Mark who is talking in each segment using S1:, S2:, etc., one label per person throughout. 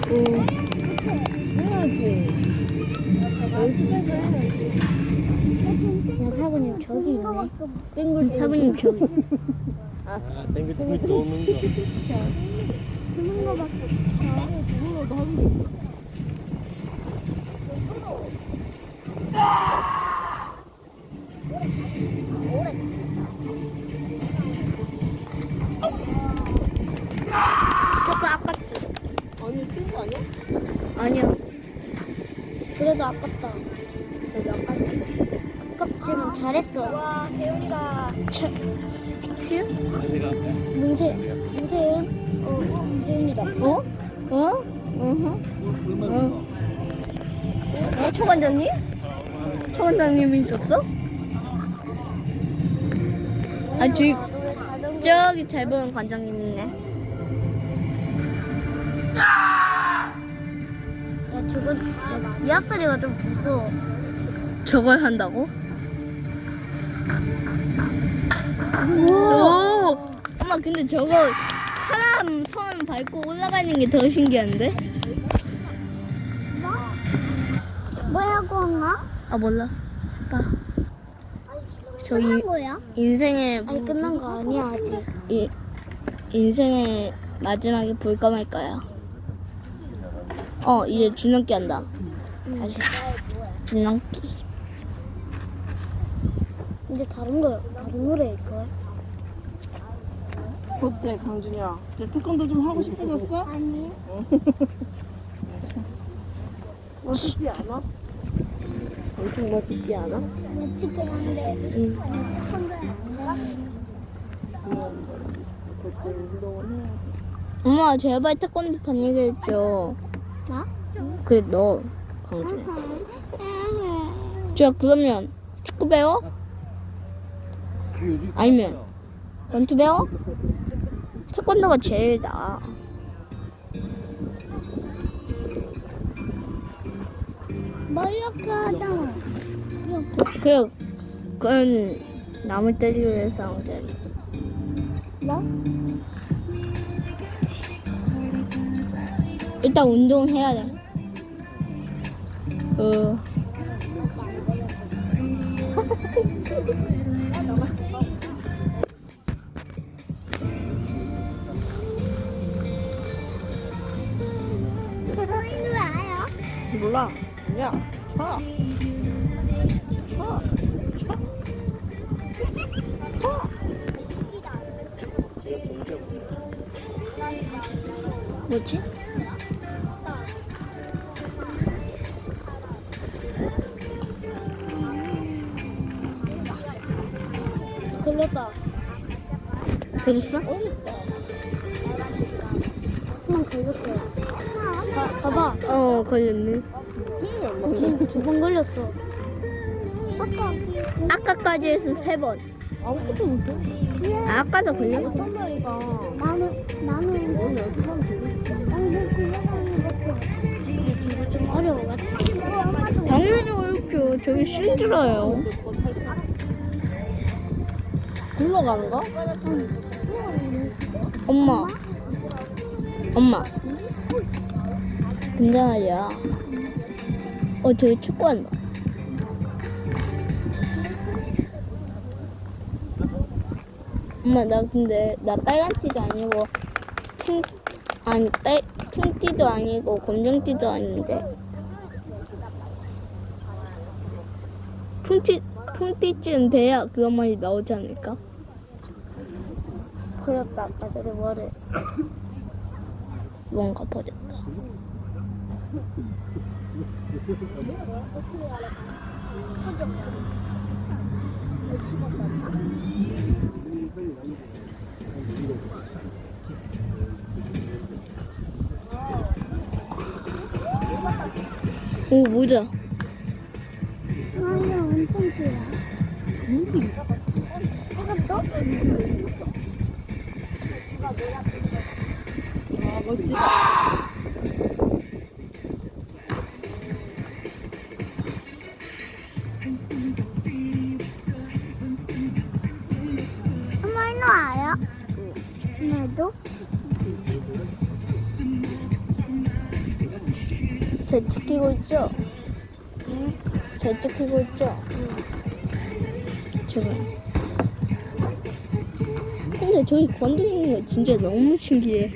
S1: 해야지. 연습해서 해야지.
S2: 야, 사부님 저기 있네.
S1: 땡글
S2: 사부님 저기 있어.
S3: 아, 땡글땡글 도는 거.
S2: 그런 거밖에
S1: 그거라도 하면 돼.
S2: 조금 아깝지?
S1: 아니 친구 아니야?
S2: 아니야. 그래도 아깝다. 그래도 아깝다. 아깝지만 잘했어. 와, 세윤이가. 세윤?
S3: 제가
S2: 문세윤? 세윤이다. 어? 어? 초반장님? 초반장님이 있었어? 아, 저기 잘 보는 관장님 있네. 야, 기합 소리가 좀 무서워. 저걸 한다고? 오! 엄마, 근데 저거 사람 손 밟고 올라가는 게 더 신기한데? 뭐라고 한가? 아, 몰라. 해봐. 저기 뭐야? 인생의 아니 끝난 거 아니야 아직. 인생의 마지막에 볼까 말까요? 이제 줄넘기 한다. 다시 줄넘기. 이제 다른 노래일 걸.
S1: 어때 강준이야? 이제 태권도 좀 하고 싶어졌어?
S2: 아니.
S1: 멋있지 않아? 엄청 멋있지 않아?
S2: 멋지게 한데.
S1: 응. 그때 운동을 해야
S2: 엄마 제발 태권도 다니게 해줘. 나? 그래 너 강준. 저 그러면 축구 배워? 아니면 원투 배워? 태권도가 제일 나아. 뭐 이렇게 하잖아. 이렇게. 그건 남을 때리기 위해서 하는 게 아니야. 뭐? 일단 운동해야 돼.
S1: 몰라. 야, 쳐. 쳐.
S2: 뭐지? 걸렸다. 걸렸어? 한번 걸렸어요. 봐봐. 걸렸네. 지금 2번 걸렸어. 아까까지 해서 3번.
S1: 아무것도 못해.
S2: 아까도 걸렸어.
S1: 한다니까.
S2: 나는
S1: 오늘 연습하면 되겠지.
S2: 좀 어려워, 맞지? 당연히 어렵죠. 저기 힘들어요.
S1: 굴러가는 거?
S2: 엄마. 근데 말이야. 저기 축구한다. 엄마, 나 빨간 티도 아니고, 핑티도 아니고, 검정티도 아닌데. 핑티쯤 돼야 그런 말이 나오지 않을까? 버렸다, 아까 전에 뭐를. 뭔가 버렸다. 오, 모자. 아니야, 엄청 길어. 이것도?
S1: 아, 멋지다.
S2: 엄마, 일로 와요? 얘도? 잘 지키고 있죠? 잘 지키고 있죠? 제발. 근데 저기 건드리는 거 진짜 너무 신기해.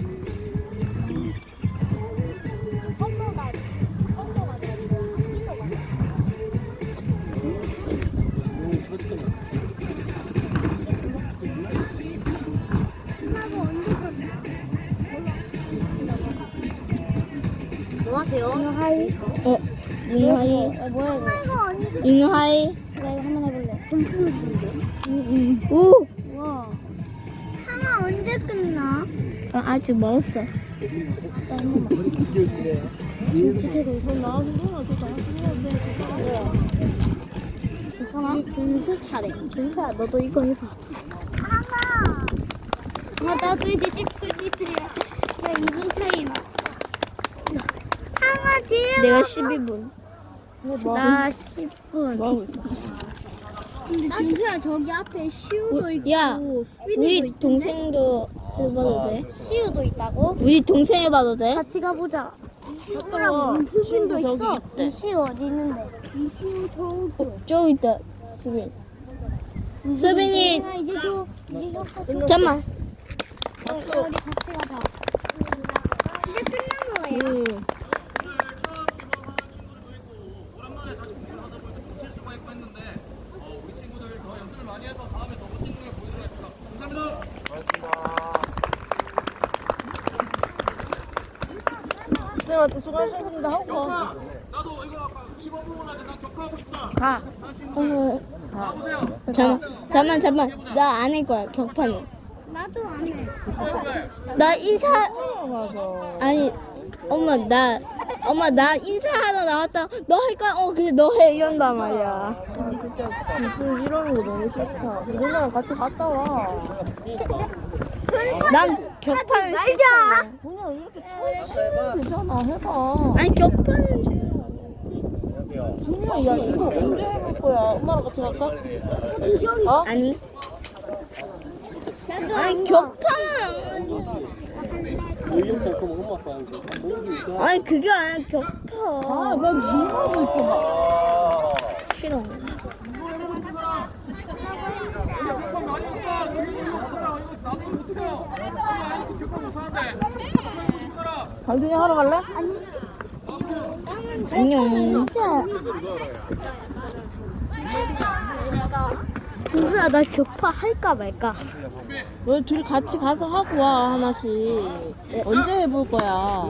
S1: 뭐 하세요?
S2: 잉하이. 잉하이.
S1: 뭐야 이거?
S2: 잉하이.
S1: 나 이거 한번 해볼래. 점프를 주는데?
S2: 오!
S1: 와.
S4: 하나 언제 끝나?
S2: 아직 멀었어.
S1: 솔직히도 있어. 나 힘들어. 저 괜찮아? 준수 차례. 준수야, 너도 이거 해봐.
S4: 하나.
S1: 나도 이제 10분 나 2분 차이 나.
S4: 하나 뒤에.
S2: 내가 12분.
S1: 나 10분.
S2: 뭐 하고 있어?
S1: 근데 준수야, 저기 앞에 시우도 있고,
S2: 야,
S1: 스피드도
S2: 우리
S1: 있던데?
S2: 동생도 해봐도 돼?
S1: 시우도 있다고?
S2: 우리 동생 해봐도 돼?
S1: 같이 가보자. 시우랑 수빈도 있어. 이시우 어디 있는데? 이시우
S2: 저기 있다, 수빈. 수빈이,
S1: 이제 줘. 이제 줘.
S2: 잠깐만.
S1: 우리 같이 가자.
S4: 이제 끝난 거예요?
S1: 쌤한테 수고하셨습니다 하고 가.
S2: 잠깐만. 나 안 할 거야, 격파는.
S4: 나도 안 해.
S2: 나 인사, 아니, 엄마, 나 인사하러 나왔다. 너 할 거야? 근데 너 해. 이런단 말이야.
S1: 진짜 무슨 이러는 거 너무 싫다. 누나랑 같이 갔다 와.
S2: 난 격파는 싫잖아.
S1: 그냥 이렇게 치면 되잖아. 해봐.
S2: 아니, 격파는 싫어.
S1: 준이야, 야 이거 언제 해볼 거야? 엄마랑 같이 갈까? 어?
S2: 아니,
S4: 나도
S2: 아니,
S4: 안 가.
S2: 격파는
S3: 의욕도 없고 엄마 아빠 하는 거.
S2: 아니, 그게 아니라 격파.
S1: 아, 왜 누나도 있어 봐.
S2: 싫어.
S1: 강준이 하러 갈래?
S2: 안녕. 준수야, 나 격파 할까 말까?
S1: 너 둘이 같이 가서 하고 와 하나씩. 언제 해볼 거야?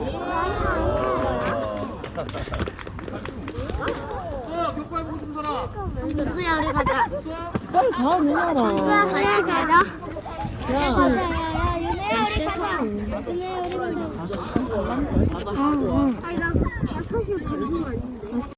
S4: 준수야 우리 가자.
S1: 빨리 가 누나랑.
S4: 같이 가자.
S1: 야.
S4: 야야야 윤혜야 우리 가자. 윤혜야 우리 가자. 아니 나 사실 방송 아닌데.